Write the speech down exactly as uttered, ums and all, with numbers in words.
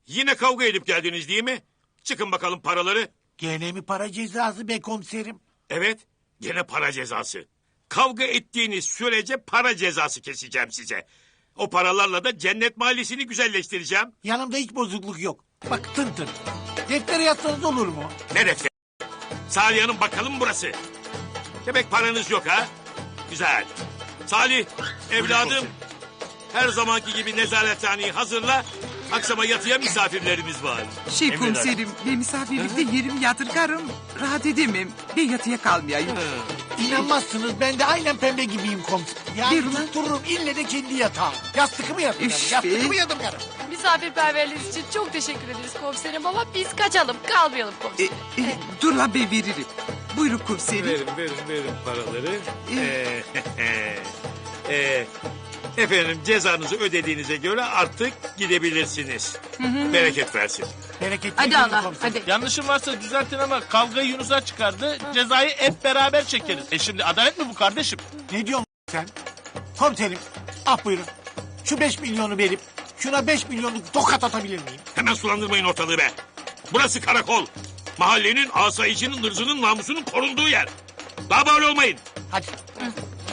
Yine kavga edip geldiniz değil mi? Çıkın bakalım paraları. Gene mi para cezası be komiserim? Evet, gene para cezası. Kavga ettiğiniz sürece para cezası keseceğim size. O paralarla da cennet mahallesini güzelleştireceğim. Yanımda hiç bozukluk yok. Bak tın tın. Deftere yazsanız olur mu? Ne defter? Salih Hanım bakalım burası. Demek paranız yok ha? Güzel. Salih, evladım. Her zamanki gibi nezarethaneyi hazırla. Akşama yatıya misafirlerimiz var. Şey komiserim, ben misafirlikte yerimi yadırgarım. Rahat edemem. Ben yatıya kalmayayım. İnanmazsınız, ben de aynen pembe gibiyim komiserim. Yani Ver ulan. tuttururum ille de kendi yatağım. Yastıkımı yatırım. Üf Yastıkımı be. yatırım. Misafirperverliğiniz için çok teşekkür ederiz komiserim ama biz kaçalım, kalmayalım E, komiserim. e, dur lan ben veririm. Buyurun komiserim. Verin, verin, verin paraları. Ee, ee, efendim cezanızı ödediğinize göre artık gidebilirsiniz. Bereket versin. Bereketli Hadi günün Allah, komiserim. hadi. Yanlışım varsa düzeltin ama kavgayı Yunus'a çıkardı. Cezayı hep beraber çekeriz. E şimdi adalet mi bu kardeşim? Ne diyorsun sen? Komiserim, ah buyurun. Şu beş milyonu verip şuna beş milyonluk tokat atabilir miyim? Hemen sulandırmayın ortalığı be. Burası karakol. Mahallenin, asayişinin, ırzının, namusunun korunduğu yer. Daha böyle olmayın. Hadi.